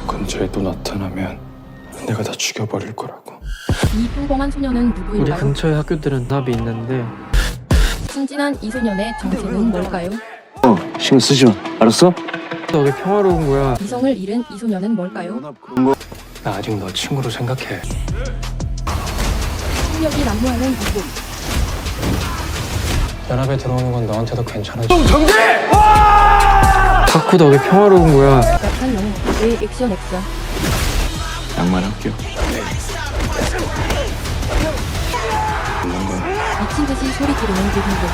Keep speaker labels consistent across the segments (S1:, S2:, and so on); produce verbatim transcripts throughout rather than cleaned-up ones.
S1: 근처에 또 나타나면 내가 다 죽여버릴 거라고.
S2: 이 평범한 소녀는
S3: 우리
S2: 누구일까요?
S3: 근처에 학교들은 답이 있는데
S2: 순진한 이 소년의 정체는 뭘까요?
S4: 어, 신경 쓰지 마. 알았어?
S3: 너 왜 평화로운 거야?
S2: 이성을 잃은 이 소년은 뭘까요?
S4: 그런 거.
S1: 나 아직 너 친구로 생각해.
S2: 폭력이 난무하는 이곳.
S1: 연합에 들어오는 건 너한테도 괜찮아져.
S3: 다쿠 너 왜 평화로운 거야?
S2: 약한 영웅의 액션 액션.
S4: 양말할게요.
S1: 있는 건
S2: 미친 듯이 소리 지르는 고딩들.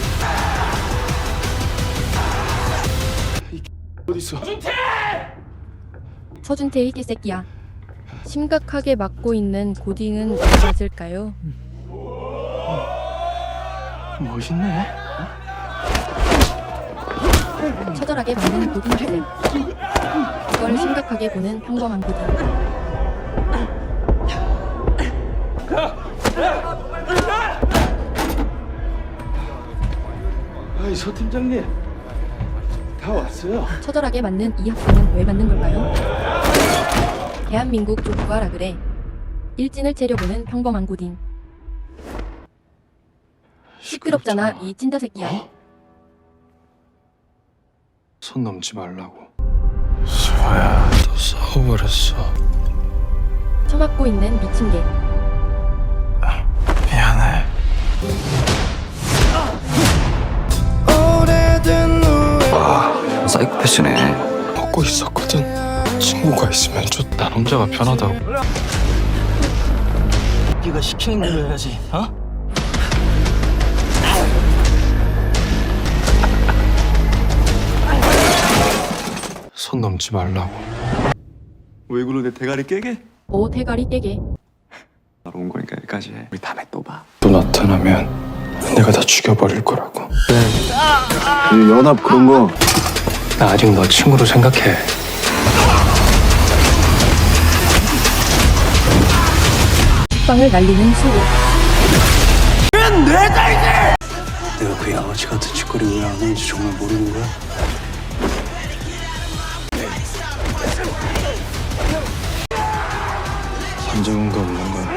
S1: 어딨어?
S2: 서준태의 개새끼야. 심각하게 맡고 있는 고딩은 맞을까요?
S1: 멋있네.
S2: 처절하게 맞는 고딩 학생. 그걸 심각하게 보는 평범한 고딩.
S4: 아이, 서 팀장님. 다 왔어요.
S2: 처절하게 맞는 이 학생은 왜 맞는 걸까요? 대한민국 족구하라 그래. 일진을 채려보는 평범한 고딩. 시끄럽잖아 이 찐따 새끼야.
S1: 손 넘지 말라고. 수아야, 너 싸워버렸어.
S2: 처맞고 있는 미친 개.
S1: 미안해.
S4: 아, 사이코패스네.
S1: 먹고 있었거든. 친구가 있으면 좋다. 남자가 편하다고.
S4: 네가 시키는 대로 해야지. 어?
S1: 손 넘지 말라고.
S4: 왜 그러 내 대가리 깨게?
S2: 오 대가리 떼게.
S4: 바로 온 거니까 여기까지 해. 우리 다음에 또 봐.
S1: 또 나타나면 내가 다 죽여버릴 거라고.
S4: 그 연합 그런 거.
S1: 나 아직 너 친구로 생각해.
S2: 빵을 날리는 소리.
S4: 내가 그 양아치 같은 짓거리 왜 안 하는지 정말 모르는 거야?
S1: 선정은거 없는 건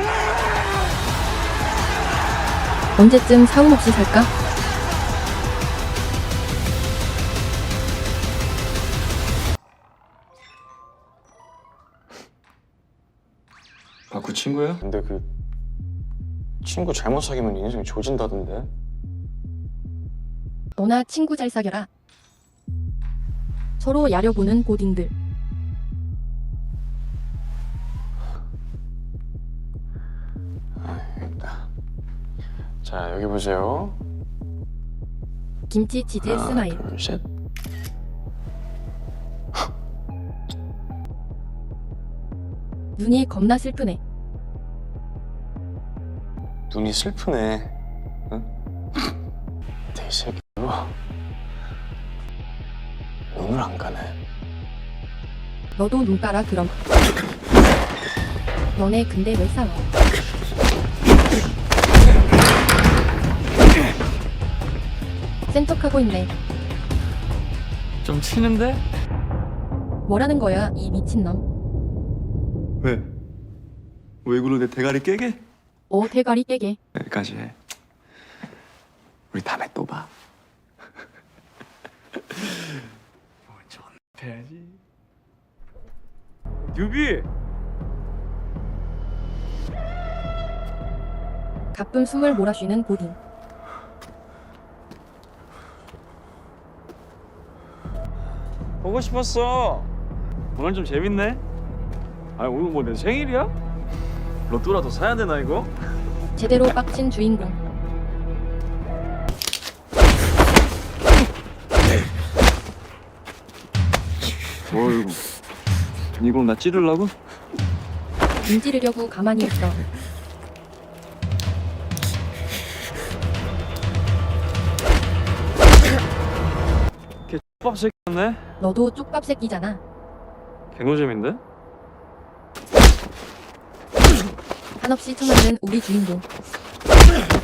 S2: 언제쯤 사움 없이 살까?
S1: 바쿠 친구야? 근데 그 친구 잘못 사귀면 인생이 조진다던데.
S2: 너나 친구 잘 사겨라. 서로 야려보는 고딩들.
S1: 아, 여기 있다. 자, 여기 보세요.
S2: 김치 치즈
S1: 하나,
S2: 스마일.
S1: 둘, 셋.
S2: 눈이 겁나 슬프네.
S1: 눈이 슬프네. 응? 내 새끼로 눈을 안 가네.
S2: 너도 눈 깔아 그럼. 너네 근데 왜 싸워? 센 척하고 있네.
S3: 좀 치는데?
S2: 뭐라는 거야 이 미친놈.
S4: 왜? 왜 그러 내 대가리 깨게?
S2: 오 대가리 떼게.
S4: 여기까지 해. 우리 다음에 또 봐.
S3: 해야지. 유비.
S2: 가끔 숨을 몰아쉬는 고딩.
S3: 보고 싶었어. 오늘 좀 재밌네. 아 오늘 뭐 내 생일이야? 로또라도 사야 되나 이거?
S2: 제대로 빡친 주인공.
S4: 어이구. 이거 나 찌르려고?
S2: 문지르려고 가만히 있어.
S3: 걔 X밥 새끼였네.
S2: 너도 쪽밥 새끼잖아.
S3: 개노잼인데?
S2: 한없이 쳐맞는 우리 주인공.